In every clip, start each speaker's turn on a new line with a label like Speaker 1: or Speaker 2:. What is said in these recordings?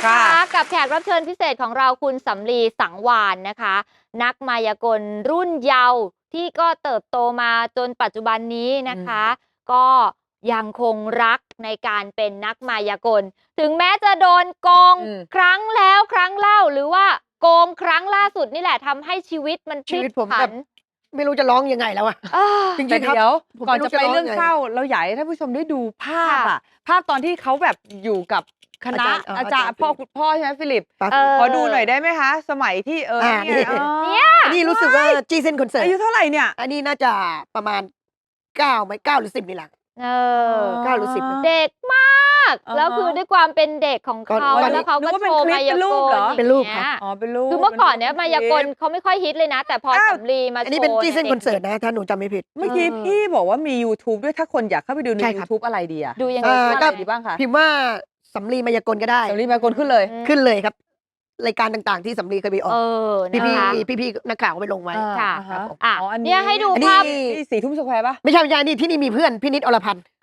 Speaker 1: นะคะกับแขกรับเชิญพิเศษของเราคุณสำลีสังวาลนะคะนักมายากลรุ่นเยาว์ที่ก็เติบโตมาจนปัจจุบันนี้นะคะก็ยังคงรักในการเป็นนักมายากลถึงแม้จะโดนโกงครั้งแล้วครั้งเล่าหรือว่าโกงครั้งล่าสุดนี่แหละทำให้ชีวิตมันพลิกผัน
Speaker 2: ไม่รู้จะร้องยังไงแล้วอะ
Speaker 3: จริงๆครับก่อนจะไปเรื่องเศร้าเราอยากให้ท่านผู้ชมได้ดูภาพภาพตอนที่เขาแบบอยู่กับคณะอาจารย์พ่อใช่ไหมฟิลิปขอดูหน่อยได้ไหมคะสมัยที่
Speaker 2: เนี่ยนี่รู้สึกว่าจีเซนคอนเสิร์ต
Speaker 3: อายุเท่าไหร่เนี่ย
Speaker 2: อันนี้น่าจะประมาณ9ไหม9หรือ10นี่แหละ9หรือ10
Speaker 1: เด็กมากแล้วคือด้วยความเป็นเด็กของเขาแล้วเขาก็โชว์มายากล
Speaker 2: เป็นรูปครับ
Speaker 3: เป็นรูป
Speaker 1: คือเมื่อก่อนเนี้ยมายากลเขาไม่ค่อยฮิตเลยนะแต่พอสำลีมาโชว์
Speaker 2: อันนี้เป็นจีเซนคอนเสิร์ตนะถ้าหนูจำไม่ผิด
Speaker 3: เมื่อกี้พี่บอกว่ามี YouTube ด้วยถ้าคนอยากเข้าไปดูใน YouTube อะไรดีอะ
Speaker 1: ดูยังไง
Speaker 3: ดีบ้างคะ
Speaker 2: พิมพ์ว่าสำลีมายากลก็ได้
Speaker 3: สำลีมายากลขึ้นเลย
Speaker 2: ครับรายการต่างๆที่สำลีเคยไปออกพี่นักข่าวไปลงไว้
Speaker 1: ค่ะเนี่ยให้ดูภาพ
Speaker 3: 4 ทุ่มสแควร์ป่ะ
Speaker 2: ไม่ใช่นี่ที่นี่มีเพื่อนพี่นิดอรพันธ์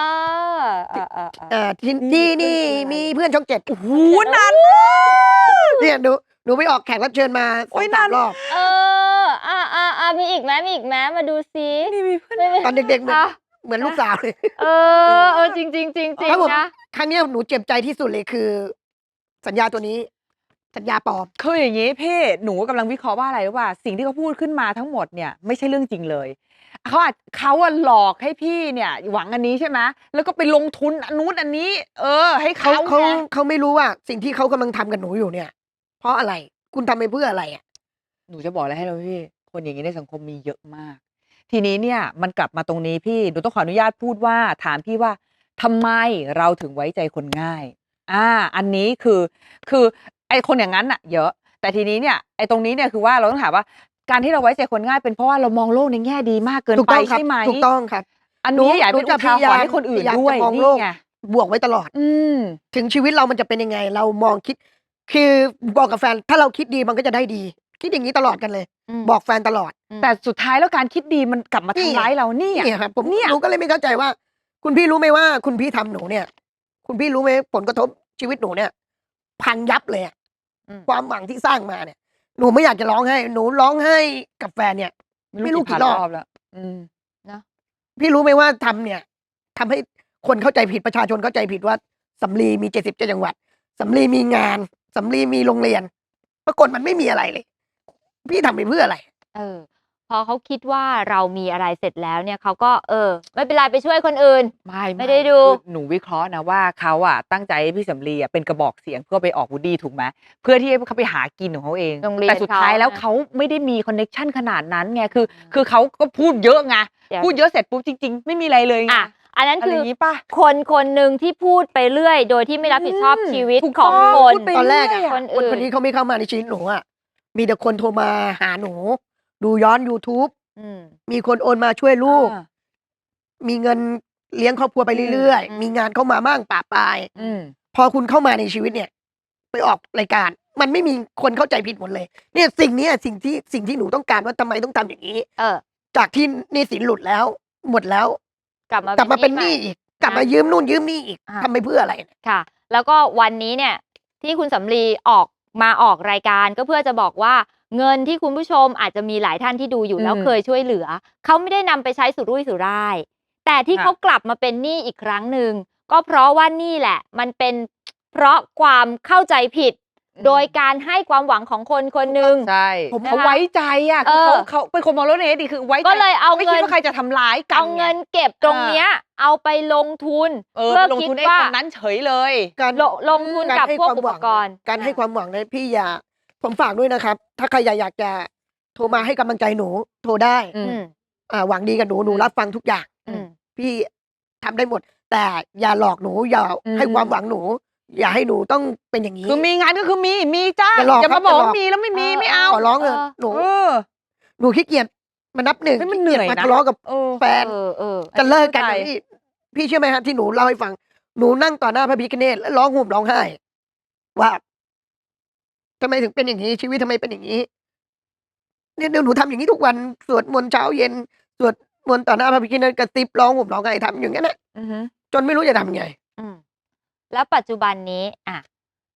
Speaker 2: ที่นี่มีเพื่อนช่อง7
Speaker 3: โอ้โหนาน
Speaker 2: เนี่ยหนูไปออกแขกรับเชิญมา3 รอบ
Speaker 1: มีอีกไหมมาดูซิ
Speaker 2: มีเพื่อนตอนเด็กๆเหมือนลูกสาวเลย
Speaker 1: จริง
Speaker 2: นะครั้งนี้หนูเจ็บใจที่สุดเลยคือสัญญาตัวนี้สัญญาปลอม
Speaker 3: คืออย่างนี้พี่หนูกำลังวิเคราะห์ว่าอะไรว่าสิ่งที่เขาพูดขึ้นมาทั้งหมดเนี่ยไม่ใช่เรื่องจริงเลยเขาหลอกให้พี่เนี่ยหวังอันนี้ใช่ไหมแล้วก็ไปลงทุนอันนู้นอันนี้ให้
Speaker 2: เขาไม่รู้ว่าสิ่งที่เขากำลังทำกับหนูอยู่เนี่ยเพราะอะไรคุณทำไปเพื่ออะไรอ่ะ
Speaker 3: หนูจะบอกอะไรให้เราพี่คนอย่างนี้ในสังคมมีเยอะมากทีนี้เนี่ยมันกลับมาตรงนี้พี่หนูต้องขออนุญาตพูดว่าถามพี่ว่าทำไมเราถึงไว้ใจคนง่ายอันนี้คือไอ้คนอย่างนั้นอะเยอะแต่ทีนี้เนี่ยไอ้ตรงนี้เนี่ยคือว่าเราต้องถามว่าการที่เราไว้ใจคนง่ายเป็นเพราะว่าเรามองโลกในแง่ดีมากเกินไปใช่ไหม
Speaker 2: ถูกต้องครับ
Speaker 3: อันนี้อยากเป็นอุทาหรณ์ให้คนอื่นด้วยนี่ไง
Speaker 2: บวกไว้ตลอดถึงชีวิตเรามันจะเป็นยังไงเรามองคิดคือบอกกับแฟนถ้าเราคิดดีมันก็จะได้ดีคิดอย่างนี้ตลอดกันเลยบอกแฟนตลอด
Speaker 3: แต่สุดท้ายแล้วการคิดดีมันกลับมาทำร้ายเรานี่
Speaker 2: ครับผมหนูก็เลยไม่เข้าใจว่าคุณพี่รู้ไหมว่าคุณพี่ทำหนูเนี่ยคุณพี่รู้ไหมผลกระทบชีวิตหนูเนี่ยพังยับเลยความหวังที่สร้างมาเนี่ยหนูไม่อยากจะร้องไห้หนูร้องไห้กับแฟนเนี่ยไม่รู้กี่รอบ
Speaker 3: แล้ว
Speaker 2: นะพี่รู้ไหมว่าทำเนี่ยทำให้คนเข้าใจผิดประชาชนเข้าใจผิดว่าสำลีมี77 จังหวัดสำลีมีงานสำลีมีโรงเรียนปรากฏมันไม่มีอะไรเลยพี่ทำไปเพื่ออะไร
Speaker 1: พอเขาคิดว่าเรามีอะไรเสร็จแล้วเนี่ยเขาก็ไม่เป็นไรไปช่วยคนอื่นไม่ได้ดู
Speaker 3: หนูวิเคราะห์นะว่าเขาตั้งใจให้พี่สำลีเป็นกระบอกเสียงเพื่อไปออกวูดดี้ถูกไหมเพื่อที่เขาไปหากินของเขาเองแต่สุดท้ายแล้วเขาไม่ได้มีคอนเนคชั่นขนาดนั้นไงคือเขาก็พูดเยอะไงพูดเยอะเสร็จปุ๊บจริงๆไม่มีอะไรเลยไง
Speaker 1: อันนั้นคือคนหนึ่งที่พูดไปเรื่อยโดยที่ไม่รับผิดชอบชีวิตของคน
Speaker 2: ตอนแรกคนนี้เขาไม่เข้ามาในชีวิตหนูมีแต่คนโทรมาหาหนูดูย้อน YouTube มีคนโอนมาช่วยลูกมีเงินเลี้ยงครอบครัวไปเรื่อยๆมีงานเข้ามามั่งป่าปลายพอคุณเข้ามาในชีวิตเนี่ยไปออกรายการมันไม่มีคนเข้าใจผิดหมดเลยเนี่ยสิ่งที่หนูต้องการว่าทำไมต้องทำอย่างนี้จากที่หนี้สินหลุดแล้วหมดแล้วกลับมาเป็นหนี้อีกกลับมายืมนู่นยืมนี่อีกทำไปเพื่ออะไร
Speaker 1: ค่ะแล้วก็วันนี้เนี่ยที่คุณสำลีออกรายการก็เพื่อจะบอกว่าเงินที่คุณผู้ชมอาจจะมีหลายท่านที่ดูอยู่แล้วเคยช่วยเหลือเขาไม่ได้นำไปใช้สุรุ่ยสุร่ายแต่ที่เขากลับมาเป็นหนี้อีกครั้งหนึ่งก็เพราะว่านี่แหละมันเป็นเพราะความเข้าใจผิดโดยการให้ความหวังของคนคนหนึ่ง
Speaker 3: ใช่เขาไว้ใจคือเขาเป็นคนมองโลกในแง่ดีคือไว้ใจ
Speaker 1: ก็เลยเอา
Speaker 3: ไม่คิดว่าใครจะทำร้ายกัน
Speaker 1: เอาเงินเก็บตรงเนี้ยเอาไปลงทุน
Speaker 3: เพื่อคิดว่าคนนั้นเฉยเลย
Speaker 2: การ
Speaker 1: ลงทุนกับพวกอุปกรณ์
Speaker 2: การให้ความหวังนะพี่ผมฝากด้วยนะครับถ้าใครอยากจะโทรมาให้กำลังใจหนูโทรได้หวังดีกับหนูรับฟังทุกอย่างพี่ทำได้หมดแต่อย่าหลอกหนูอย่าให้ความหวังหนูอย่าให้หนูต้องเป็นอย่างนี้
Speaker 3: คือมีงานก็คือมีจ้าอย่ามาบอกมีแล้วไม่มีไม่เอา
Speaker 2: ขอร้องเลยหนูขี้เกียจมานับหนึ่ง
Speaker 3: มันเหนื่อย
Speaker 2: มาทะเลาะกับแฟนจะเลิกกันพี่เชื่อไหมฮะที่หนูเล่าให้ฟังหนูนั่งต่อหน้าพระพิฆเนศแล้วร้องห่มร้องไห้ว่าทำไมถึงเป็นอย่างนี้ชีวิตทำไมเป็นอย่างนี้เนี่ยหนูทำอย่างนี้ทุกวันสวดมนต์เช้าเย็นสวดมนต์ต่อหน้าพระพิฆเนศกระติบร้องห่มร้องไห้ทำอย่างนั้นแหละจนไม่รู้จะทำไง
Speaker 1: แล้วปัจจุบันนี้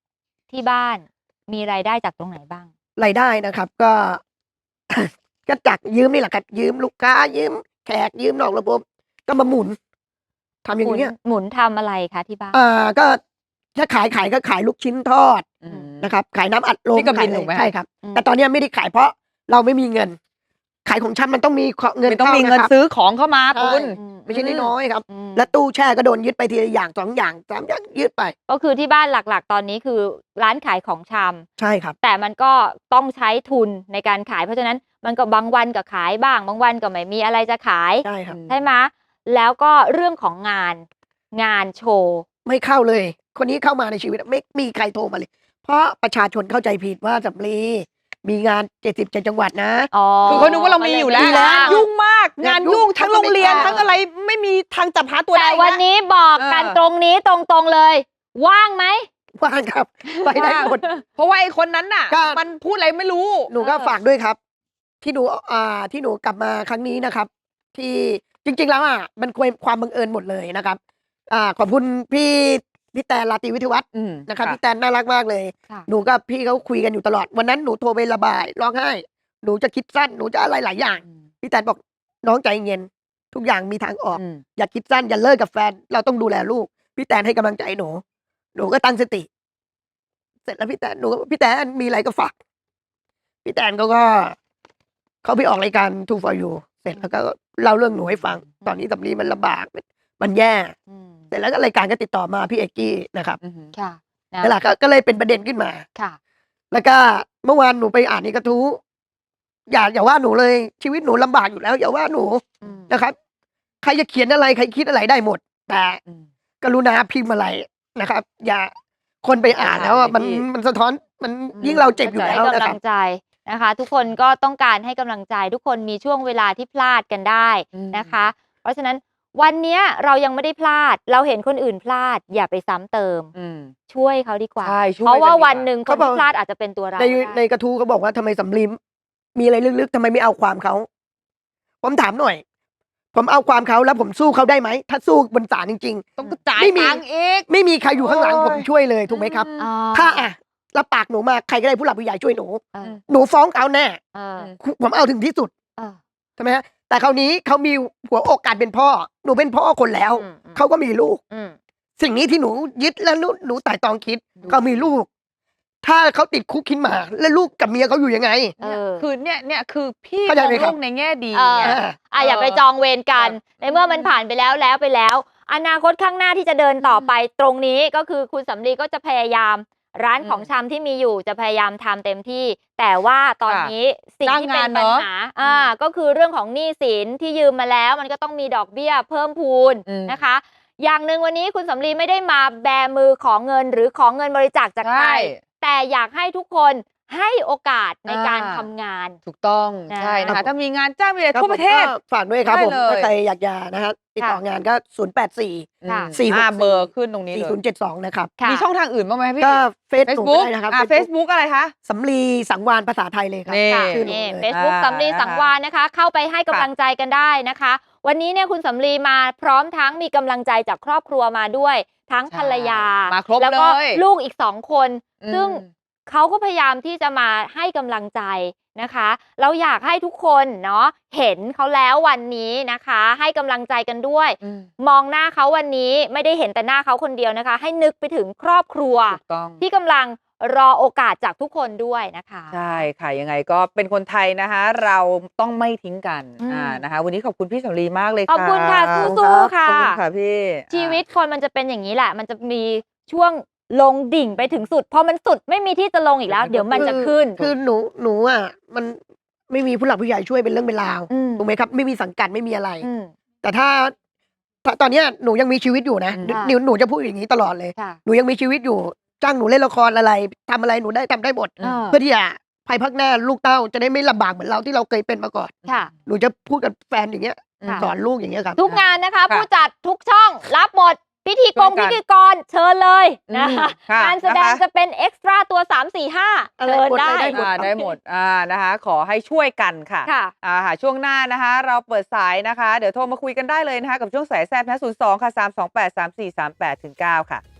Speaker 1: ที่บ้านมีรายได้จากตรงไหนบ้าง
Speaker 2: รายได้นะครับก็ ก็จากยืมนี่แหละครับ ยืมลูกค้า ยืมแขก ยืมนอกระบบ ก็มาหมุนทำอย่างเงี้ย
Speaker 1: หมุนทำอะไรคะที่บ้าน
Speaker 2: ก็ถ้าขายก็ขายลูกชิ้นทอด
Speaker 3: อืม
Speaker 2: นะครับ ขายน้ำอัดลม
Speaker 3: ที่กบิน
Speaker 2: ขาย
Speaker 3: ถูกไหม
Speaker 2: ใช่ครับ
Speaker 1: อืม
Speaker 2: แต่ตอนเนี้ยไม่ได้ขายเพราะเราไม่มีเงิน ขายของชำมันต้องมีเงิน
Speaker 3: ไม่ต้อง
Speaker 2: เข้า
Speaker 3: มีเงิน
Speaker 2: นะครับ
Speaker 3: ซื้อของเข้ามา
Speaker 2: ใช่
Speaker 3: คุณ
Speaker 2: ไม่ใช่น้อยๆครับ
Speaker 1: อืม
Speaker 2: และตู้แช่ก็โดนยึดไปทีละอย่าง2 อย่าง 3 อย่างยึดไป
Speaker 1: ก็คือที่บ้านหลักๆ ตอนนี้คือร้านขายของชำ
Speaker 2: ใช่ครับ
Speaker 1: แต่มันก็ต้องใช้ทุนในการขาย เพราะฉะนั้นมันก็บางวันก็ขายบ้าง บางวันก็ไม่มีอะไรจะขาย
Speaker 2: ใช่ครับ
Speaker 1: ใช่ไหมแล้วก็เรื่องของงานโชว์
Speaker 2: ไม่เข้าเลย คนนี้เข้ามาในชีวิตไม่มีใครโทรมาเลย เพราะประชาชนเข้าใจผิดว่าสำลีมีงาน77 จังหวัดนะ
Speaker 1: อ๋อ
Speaker 3: คือเขานึกว่าเรามีอยู่แล้ว
Speaker 2: มีแล้ว
Speaker 3: ยุ่งมาก งานยุ่งทั้งโรงเรียน
Speaker 2: เขาก็ไม่กล้า
Speaker 3: ทั้งอะไรไม่มีทางจับหาตัวได้
Speaker 1: แต่
Speaker 3: อีก
Speaker 1: วัน
Speaker 3: แล้ว
Speaker 1: นี้บอกกัน
Speaker 3: เออ
Speaker 1: ตรงนี้ตรงๆเลย ว่างไหม
Speaker 2: ว่างครับ ไปได้หมด
Speaker 3: เพราะว่าไอ้คนนั้นน่ะ
Speaker 2: ก็
Speaker 3: มันพูดอะไรไม่รู้
Speaker 2: หนูก็ฝากด้วยครับ ที่หนูกลับมาครั้งนี้นะครับ ที่จริง ๆ แล้วมันความบังเอิญหมดเลยนะครับ ขอบคุณพี่แตนราตรีวิทยวัฒน์
Speaker 3: อืม
Speaker 2: นะครับพี่แตนน่ารักมากเลย
Speaker 1: ค่ะ
Speaker 2: หนูกับพี่เขาคุยกันอยู่ตลอด วันนั้นหนูโทรไประบายร้องไห้ หนูจะคิดสั้นหนูจะอะไรหลายอย่าง พี่แตนบอกน้องใจเย็นทุกอย่างมีทางออก อย่าคิดสั้นอย่าเลิกกับแฟน เราต้องดูแลลูก พี่แตนให้กำลังใจหนูก็ตั้งสติ เสร็จแล้วพี่แตนมีอะไรก็ฝากพี่แตนเขาไปออกรายการ Two for You เสร็จแล้วก็เล่าเรื่องหนูให้ฟัง ตอนนี้สำลีมันลำบากมันแย่
Speaker 1: อืม
Speaker 2: เสร็จแล้วก็รายการก็ติดต่อมาพี่เอกกี้นะครับ
Speaker 1: ค่ะนะ
Speaker 2: นั่นแหละก็เลยเป็นประเด็นขึ้นมา
Speaker 1: ค่ะ
Speaker 2: แล้วก็เมื่อวานหนูไปอ่านในกระทู้อย่าว่าหนูเลย ชีวิตหนูลำบากอยู่แล้ว อย่าว่าหนู
Speaker 1: อืม
Speaker 2: นะครับ ใครจะเขียนอะไรใครคิดอะไรได้หมด แต่กรุณาพิมพ์อะไรนะครับ อย่าคนไปอ่านแล้ว
Speaker 3: อ่านไป
Speaker 2: มัน
Speaker 3: ที่
Speaker 2: มันสะท้อนมันยิ่งเราเจ็บอยู่
Speaker 1: ให้
Speaker 2: แล้วนะ
Speaker 1: กำ
Speaker 2: ค
Speaker 1: ลั
Speaker 2: รับ
Speaker 1: งใจนะคะ ทุกคนก็ต้องการให้กำลังใจ ทุกคนมีช่วงเวลาที่พลาดกันได้นะคะ เพราะฉะนั้นวันเนี้ยเรายังไม่ได้พลาด เราเห็นคนอื่นพลาด อย่าไปซ้ำเติม ช่วยเขาดีกว่า
Speaker 3: ใช่ช่วย
Speaker 1: เพราะว่า
Speaker 3: กันดีกว่า
Speaker 1: วันหนึ่งคน
Speaker 2: เขาบอก
Speaker 1: ที่พลาดอาจจะเป็นตัวเรา
Speaker 2: ใน
Speaker 1: ก็ได้
Speaker 2: ในกระทู้เขาบอกว่าทำไมสำลีมีอะไรลึกๆทำไมไม่เอาความเขา ผมถามหน่อย ผมเอาความเขาแล้วผมสู้เขาได้ไหม ถ้าสู้บนศาลจริง
Speaker 3: ต้องจ่าย
Speaker 2: ไม่มี
Speaker 3: ตังค์อีก
Speaker 2: ๆ ไม่มีใครอยู่ข้างหลัง
Speaker 3: โอ้ย
Speaker 2: ผมช่วยเลยถูกไหมครับ
Speaker 1: อ๋อ
Speaker 2: ถ้ารับปากหนูมาใครก็ได้ผู้หลักผู้ใหญ่ช่วยหนู
Speaker 1: เออ
Speaker 2: หนูฟ้องเขาแน่
Speaker 1: เออ
Speaker 2: ผมเอาถึงที่สุด
Speaker 1: เออ
Speaker 2: ใช่ไหมฮะแต่คราวนี้เขามีหัวอกการเป็นพ่อ หนูเป็นพ่อคนแล้ว
Speaker 1: อืม
Speaker 2: เขาก็มีลูก
Speaker 1: อืม
Speaker 2: สิ่งนี้ที่หนูยึดแล้วหนูไต่ตองคิดเขามีลูก ถ้าเขาติดคุกขึ้นมา แล้วลูกกับเมียเขาอยู่ยังไง
Speaker 1: เออ
Speaker 3: คือเนี่ยคือพี่ม
Speaker 2: เข้าใจ
Speaker 3: อง
Speaker 2: ไหมค
Speaker 3: โล
Speaker 2: รับ
Speaker 3: กในแง่ดี
Speaker 1: เออ
Speaker 3: ไง
Speaker 1: อย่าไปจองเวรกัน ในเมื่อมันผ่านไปแล้วไปแล้ว อนาคตข้างหน้าที่จะเดินต่อไปตรงนี้ก็คือคุณสำลีก็จะพยายาม ร้านของชำที่มีอยู่จะพยายามทำเต็มที่ แต่ว่าตอนนี้สิ่งที่เป็นปัญหาก็คือเรื่องของหนี้สินที่ยืมมาแล้ว มันก็ต้องมีดอกเบี้ยเพิ่มพูนนะคะ อย่างหนึ่งวันนี้คุณสำลีไม่ได้มาแบมือของเงินหรือของเงินบริจาคจากใคร
Speaker 3: ใช่
Speaker 1: แต่อยากให้ทุกคนให้โอกาสในการทำงาน
Speaker 3: ถูกต้อง
Speaker 1: นะ
Speaker 3: ใช่นะคะ ถ้ามีงานจ้างมีอะไร
Speaker 2: ครับ
Speaker 3: ทั่วประเทศ
Speaker 2: ผมก็ฝากด้วยครับ
Speaker 3: ได้
Speaker 2: ผม
Speaker 3: เลย
Speaker 2: ถ้าใครอยากจะนะฮะติดต่องานก็
Speaker 1: ค่ะ
Speaker 3: เบอร์ขึ้นตรงนี้เลย
Speaker 2: 4072 นะครับ
Speaker 1: ค่ะ
Speaker 3: มีช่องทางอื่นบ้างไหมพี่
Speaker 2: ก็เฟซบุ๊ก
Speaker 3: Facebook
Speaker 2: ได้นะครับ
Speaker 3: Facebook อะไรคะ
Speaker 2: สำลีสังวานภาษาไทยเลยครับ
Speaker 3: นี่
Speaker 1: ค่ะ
Speaker 2: ชื่อหนู
Speaker 1: นี่
Speaker 2: เลย
Speaker 1: Facebook สำลีสังวานนะคะ เข้าไปให้กำลังใจกันได้นะคะ วันนี้เนี่ยคุณสำลีมาพร้อมทั้งมีกำลังใจจากครอบครัวมาด้วย ทั้ง
Speaker 3: ใช่
Speaker 1: ภรรยา
Speaker 3: มาครบ
Speaker 1: แล้วก็
Speaker 3: เลย
Speaker 1: ลูกอีก2 คน ซึ่ง
Speaker 3: อืม
Speaker 1: เขาก็พยายามที่จะมาให้กำลังใจนะคะเราอยากให้ทุกคนเนาะเห็นเขาแล้ววันนี้นะคะ ให้กำลังใจกันด้วย มองหน้าเขาวันนี้ไม่ได้เห็นแต่หน้าเขาคนเดียวนะคะ ให้นึกไปถึงครอบครัว
Speaker 3: ถูกต้อง
Speaker 1: ที่กำลังรอโอกาสจากทุกคนด้วยนะคะ
Speaker 3: ใช่ค่ะยังไงก็เป็นคนไทยนะคะ เราต้องไม่ทิ้งกัน
Speaker 1: อืม
Speaker 3: นะคะ วันนี้ขอบคุณพี่สำลีมากเลย
Speaker 1: ขอบคุณค่ะ
Speaker 3: ขอบ
Speaker 1: สู้ๆค่ะ
Speaker 3: คุณค่ะพี่
Speaker 1: ชีวิตคนมันจะเป็นอย่างนี้แหละ มันจะมีช่วงลงดิ่งไปถึงสุดพอมันสุดไม่มีที่จะลงอีกแล้ว เดี๋ยวมันจะขึ้น
Speaker 2: คือหนูมันไม่มีผู้หลักผู้ใหญ่ช่วยเป็นเรื่องเป็นราว
Speaker 1: อืม
Speaker 2: ถูกไหมครับไม่มีสังกัดไม่มีอะไร
Speaker 1: อืม
Speaker 2: แต่ถ้าตอนเนี้ยหนูยังมีชีวิตอยู่นะ
Speaker 3: อืม
Speaker 2: หนูจะพูดอย่างนี้ตลอดเลย
Speaker 1: ค่ะ
Speaker 2: หนูยังมีชีวิตอยู่จ้างหนูเล่นละครอะไรทำอะไรหนูได้ทำได้หมด เพื่อที่จะภายภาคหน้าลูกเต้าจะได้ไม่ลำบากเหมือนเราที่เราเคยเป็นมาก่อน
Speaker 1: ค่ะ
Speaker 2: หนูจะพูดกับแฟนอย่างเงี้ย
Speaker 1: ค่ะ
Speaker 2: สอนลูกอย่างเงี้ยครับ
Speaker 1: ทุกงานนะคะ
Speaker 3: ค่ะ
Speaker 1: ผู้จัดทุกช่องรับหมด พิธี
Speaker 3: ช่วยกัน
Speaker 1: พิธีกรเชิญเลยนะคะ
Speaker 3: ค่ะ
Speaker 1: งานแสดง
Speaker 3: นะคะ
Speaker 1: จะเป็นเอ็กซ์ตร้าตัว 3 4 5
Speaker 2: อะไร
Speaker 1: เชิญ
Speaker 2: หมด
Speaker 1: ได้
Speaker 2: เลยได้หมด
Speaker 3: ได้หมดนะคะ ขอให้ช่วยกันค่ะ
Speaker 1: ค่ะ
Speaker 3: ค่ะช่วงหน้านะคะ เราเปิดสายนะคะ เดี๋ยวโทรมาคุยกันได้เลยนะคะ กับช่วงสายแซ่บนะ02 ค่ะ 328 3438 9 ค่ะ